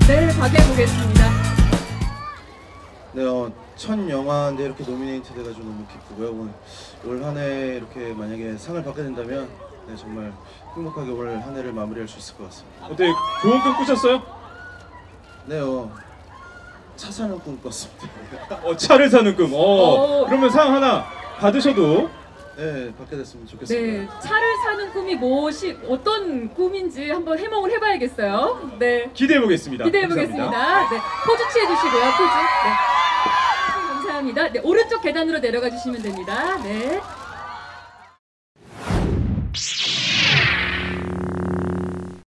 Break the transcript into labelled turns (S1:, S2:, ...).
S1: 네, 박해 보겠습니다.
S2: 네, 첫 영화인데 이렇게 노미네이트 돼가지고 너무 기쁘고요. 올 한 해 이렇게 만약에 상을 받게 된다면 네, 정말 행복하게 올 한 해를 마무리할 수 있을 것 같습니다.
S3: 어때 좋은 꿈 꾸셨어요?
S2: 네, 차 사는 꿈 꿨습니다.
S3: 차를 사는 꿈. 그러면 상 하나 받으셔도
S2: 네, 받게 됐으면 좋겠습니다.
S1: 네, 차를 사는 꿈이 어떤 꿈인지 한번 해몽을 해봐야겠어요. 네,
S3: 기대해 보겠습니다.
S1: 기대해 보겠습니다. 네, 포즈 취해 주시고요. 포즈. 네, 감사합니다. 네, 오른쪽 계단으로 내려가 주시면 됩니다. 네.